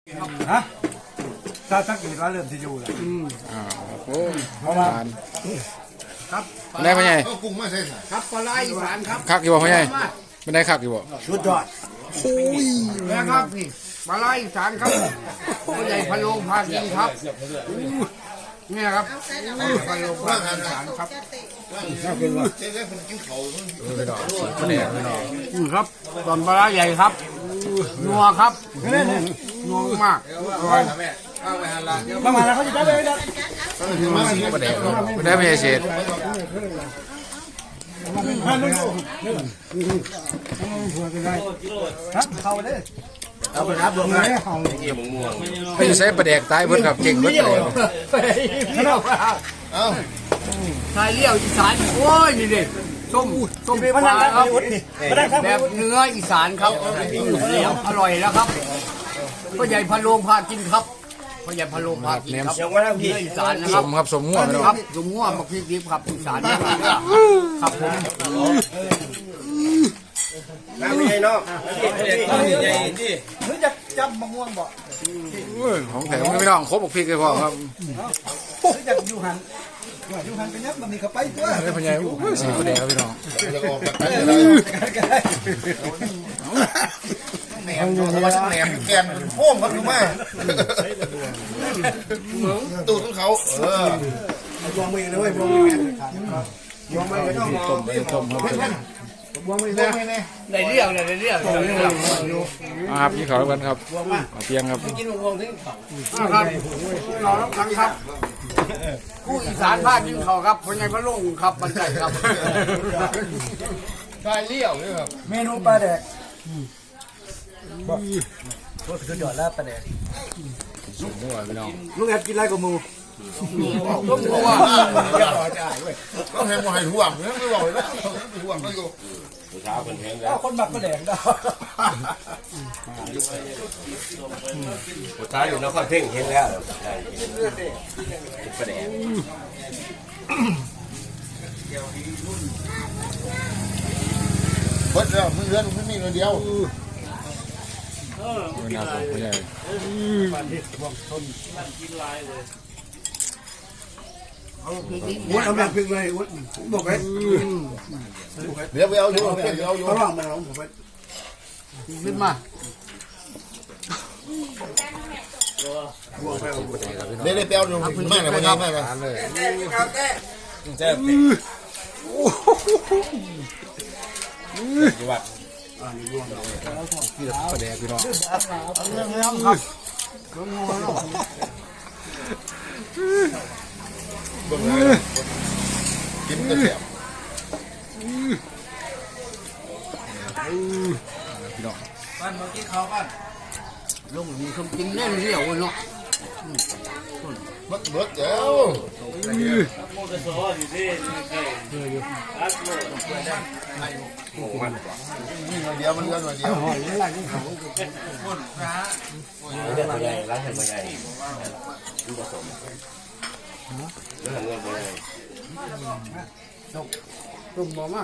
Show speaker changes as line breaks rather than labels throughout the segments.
ฮะถ้าสักกี่วันเริ่มที่อยู่แล้ว
โอ้เพราะว่า
ครับ
ได้ไหมไง
กุ้งมาใช่ไหม
ครับปลาไหลอีสานครับ
คักอยู่บ่พ่อใหญ่ไม่ได้คักอยู่บ่
สุดยอดโอ้ยนะครับนี่ปลาไหลอีสานครับพ่อใหญ่พะโล้พากินครับเนี่ยครับพะโล้พากินอีสานครับน่ากินว่ะครับตอนปลาไหลใหญ่ครับนัวครับนัวมากอร่อยมาแล้วเขาจะได้เลยนะ
ไม่ได้ไม่ได้เศษ
ครับเข้าเลยเอาไปครับลงเลย
ไม่ใช่ประเด็กตายเพิ่นกับเก่งเพิ่นเลย
เอาชายเลี้ยวอีสานโอ้ยนี่ดิส้มปลาครับแบบเนื้ออีสานครับเหลียวอร่อยแล้วครับพ่อใหญ่พะโล้พากินครับพ่อใหญ่พะโล้พากินครับเนื้ออีสานนะค
ส
รับ
มครับสมง่วง
ครับสมง่วงมาพริกดิบครับอีสานครับผม
น้ำใหญ่เนาะใหญ่ที่
หรือจะจับมะม่วงบ่
ของแถมไม่ต้องครบบอกพริกเลยพ่อครับ
หรือจะอยู่หันกันยับมันมีเข้าไปตัว
ไม่พ่อใหญ่สีประเด็กครับพี่น้อง
จะออกจากไหนเลยแหนมแหนมแกนโค้งเขาดูมากตูดของเขา
บวงมือเลยบวงมือบวงมือก็ต้อง
ต้มครับ
บวงมือเนี่ยได้เรียก
ครับพี่ขอรับกันครับเพียงครับ
กินบวงที่ครับเราต้องทั้งครับผู้อีสานพากินเขาครับพ่อใหญ่พะโล้ครับบรรจัยครับชายเลี้ยวนี่ครับเมนูปลาแดกโคตรสุดยอดแล้วปลาแดก
สมง่วงพี่น้อง
ลูกแอบกินไรกับมู
ต้มหัวก็แหงหัวให้ห่วงเนี่ยไม่บอกเลยนะห่วงก็อยู่
เช้าเป็นแหงแล้วคนบักปลาแดกได้
สุดท้ายอยู่นครเพ่งเห็นแล้วประเดี๋ยว
เพิ่นแล้วมึงเรือนมึงมีเงินเดียว
ไม่น่าผมไม่ใหญ่
วุ้นเอาแบบพึ่งเลยวุ้นบอกเลย
เดี๋ยวไปเอาอยู่เดี๋ยวเอาอยู่
เขาลองมาลองผมไปขึ้นมา
เดี๋ยวไปเอาอยู่มากเลยวันนี้มากเลย
เจ็บจังหวัด
พี่ประเด็กพี่น้อง
ครับ
กินกระเทียม
พี่น้อง
บ้านเมื่อกี้เขาบ้านลงมีคำกินแน่นเดียวเนาะ
มัดเบิดเดี๋ยวเดียวมันเงินเดียว
เรื่องอะไรร้านทำยังไงดูผสมเรื่องเงินยังไง
ตุ่มบ่มา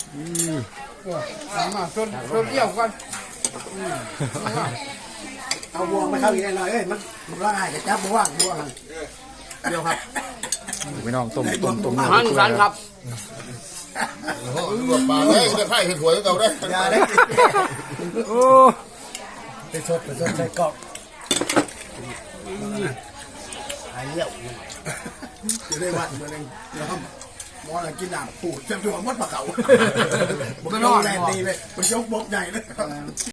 มาชนเดี่ยวกันเอาบวงมาเข้าอีกหน่อยเอ้ยมันร่างกายจะจับบวงเดียวครับ
พี่น้องต้ม
หันสันครับ
ปลาเลยจะไข่ถวยเราได้
ยาได้โอ้ไปชดใส่กรอบหายเลี้ยวจะได้วัดตัวนึงนะครับมออะไรกินหนักปูดจะตัวมัดปลาเก๋าบุกนอนแรงดีเลยมันยกบกใหญ่เลย